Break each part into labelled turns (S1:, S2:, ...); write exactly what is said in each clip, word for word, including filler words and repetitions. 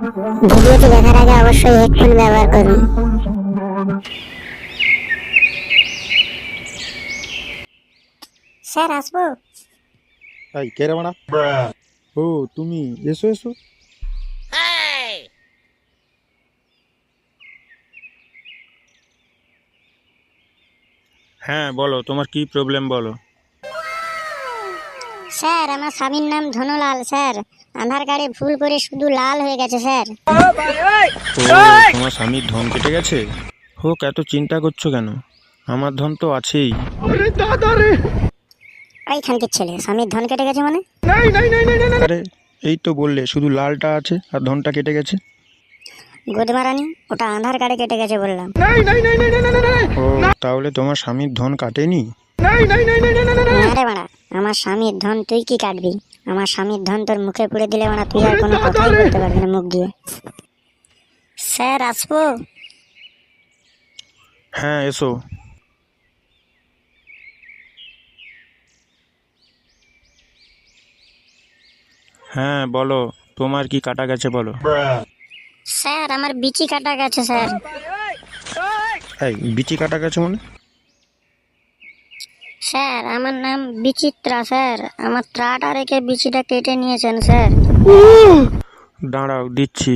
S1: ভিডিওটি দেখার আগে অবশ্যই হেডফোন ব্যবহার করুন। স্যার আসবো?
S2: এই কে রে বাড়া? ও তুমি, এসো এসো। হ্যাঁ বলো, তোমার কি প্রবলেম বলো।
S1: স্যার আমার স্বামীর নাম ধনলাল স্যার, আধার কার্ডে ভুল করে শুধু লাল হয়ে গেছে স্যার।
S2: ও তোমার স্বামীর ধন কেটে গেছে? হোক, এত চিন্তা করছো কেন? আমার ধন তো আছেই।
S1: ওই খানকির ছেলে, স্বামীর ধন কেটে গেছে মানে?
S2: আরে এই তো বললে শুধু লালটা আছে আর ধনটা কেটে গেছে।
S1: গুদমারানি, ওটা আধার কার্ডে কেটে গেছে বললাম।
S2: ও তাহলে তোমার স্বামীর ধন কাটেনি?
S1: না রে বাড়া, আমার স্বামীর ধন তুই কি কাটবি? আমার স্বামীর ধন তোর মুখে পুড়ে দিলে বাড়া তুই আর কোনো কথাই বলতে পারবি না মুখ দিয়ে। স্যার আসবো?
S2: হ্যাঁ এসো। হ্যাঁ বলো, তোমার কি কাটা গেছে বলো।
S1: স্যার আমার বিচি কাটা গেছে স্যার।
S2: এই বিচি কাটা গেছে মানে?
S1: স্যার আমার নাম বিচিত্রা স্যার, আমার ত্রাটা রেখে বিচিটা কেটে নিয়েছেন স্যার।
S2: দাঁড়াও দিচ্ছি।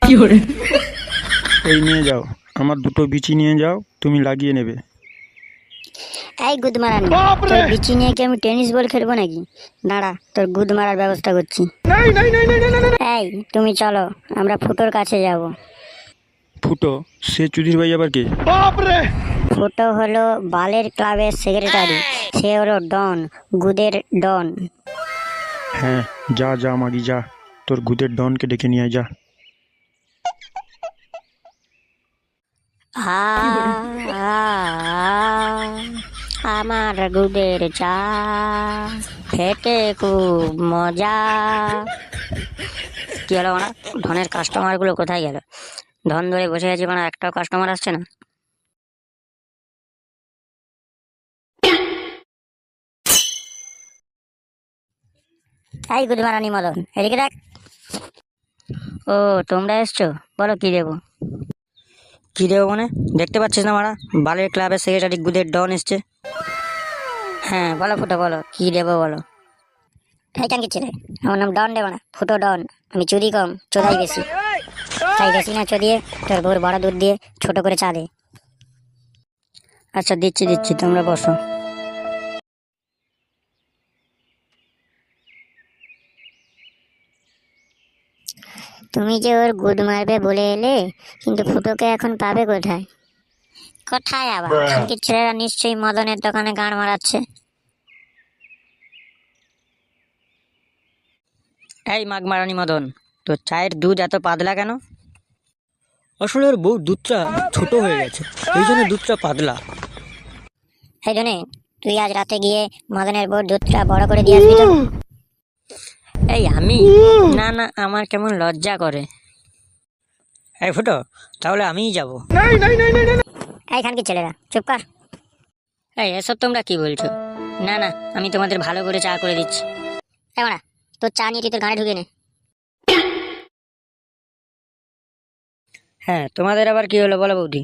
S2: এই নিয়ে যাও, আমার দুটো বিচি নিয়ে যাও, তুমি লাগিয়ে নেবে।
S1: এই গুদ মারানি, তোর বিচি নিয়ে কি আমি টেনিস বল খেলবো নাকি? দাঁড়া, তোর গুদ মারার ব্যবস্থা করছি। এই তুমি চলো, আমরা ফুটোর কাছে যাব।
S2: ফুটো? সে চুদির ভাই আবার কে?
S1: ফুটো হলো বালের ক্লাবের সেক্রেটারি, সে হলো ডন, গুদের ডন।
S2: হ্যাঁ যা যা মাগি যা, তোর গুদের ডনকে ডেকে নিয়ে আয়, যা।
S1: আ, আ, আমার গুদের চা খেতে খুব মজা। কি হলো মানে? ধনের কাস্টমার গুলো কোথায় গেল? ধন ধরে বসে আছি মানে একটাও কাস্টমার আসছে না। এই গুড মারানি মদন, এদিকে দেখ। ও তোমরা এসছো, বলো কি দেবো? কি দেবো মানে? দেখতে পাচ্ছিস না মারা, বালের ক্লাবের সেক্রেটারি গুদের ডন এসছে। হ্যাঁ বলো ফুটো, বলো কি দেবো বলো। এই টাঙ্কি ছেলে, আমার নাম ডন দেবো না, ফুটো ডন। আমি চুরি কম, চোদাই বেশি। তাই বেশি না চদিয়ে তোর বউর বড় দুধ দিয়ে ছোট করে চা দে। আচ্ছা দিচ্ছি দিচ্ছি, তোমরা বসো। তুমি যে ওর গুড মারবে বলে এলে, কিন্তু ফুটোকে এখন পাবে কোথায়? কোথায় আবার? খানকির ছেলেরা নিশ্চয়ই মদনের দোকানে গান মারাচ্ছে। এই মাগ মারানি মদন, তোর চায়ের দুধ এত পাতলা কেন?
S3: আসলে ওর বউ দুধটা ছোট হয়ে গেছে, এই জন্য দুধটা পাতলা।
S1: এই জন্যে তুই আজ রাতে গিয়ে মদনের বউর দুধটা বড় করে দিয়ে আসবি তো?
S3: এই আমি? না না, আমার কেমন লজ্জা করে। এই ফুটো, তাহলে আমিই যাব।
S1: এই খানকির ছেলেরা চুপ কর।
S3: এই এসব তোমরা কি বলছো?
S1: না না, আমি তোমাদের ভালো করে চা করে দিচ্ছি। এই মারা, তোর চা নিয়ে তুই তোর গাড়ি ঢুকে নে।
S3: হ্যাঁ তোমাদের আবার কি হলো বলো বৌদি?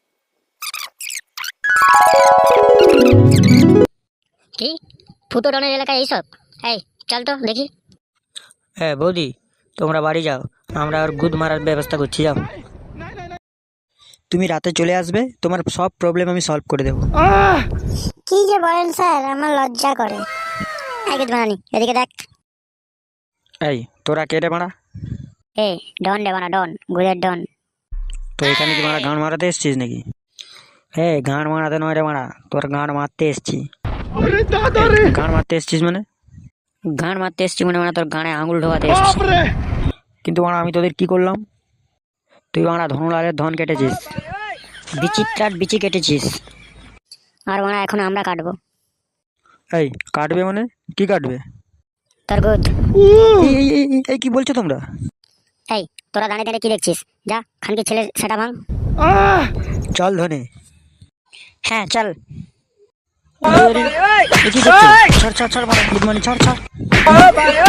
S1: কি ফুটো ডনের এলাকায় এইসব? এই চল তো দেখি।
S3: হ্যাঁ বৌদি, তোমরা বাড়ি যাও, আমরা ওর গুদ মারার ব্যবস্থা করছি, যাও। তুমি রাতে চলে আসবে, তোমার সব প্রবলেম আমি সলভ করে দেবো।
S1: কি যে বলেন স্যার, আমার লজ্জা করে। এই গুড বানানি, এদিকে দেখ।
S2: এই তোরা কেটে মারা?
S1: এ ডন রে বানা, ডন, গুদের ডন।
S2: তো এখানে কি মারা গান মারাতে এসছিস নাকি?
S3: হ্যাঁ গান মারাতে নয় রে মারা, তোর গান মারতে এসছি।
S2: গান মারতে এসছিস মানে?
S3: গান মারতে এসছি মানে মানে তোর গানে আঙুল ঢোকাতে এসছি।
S2: কিন্তু মারা আমি তোদের কি করলাম?
S3: তুই মারা ধনুলালের ধন কেটেছিস, বিচিত্রার বিচি কেটেছিস।
S1: আর বানা এখন আমরা কাটবো।
S2: এই কাটবে মানে? কি কাটবে?
S1: তোর গুদ।
S2: এই এই, এই, এই, এই কি বলছো তোমরা?
S1: এই তোরা দাঁড়িয়ে দাঁড়িয়ে কি দেখছিস? যা খানকির ছেলে সেটা ভাঙ।
S2: চল ধনে।
S3: হ্যাঁ চল।
S2: ছাড় ছাড় ছাড় মারা, গুড মর্নিং, ছাড় ছাড়।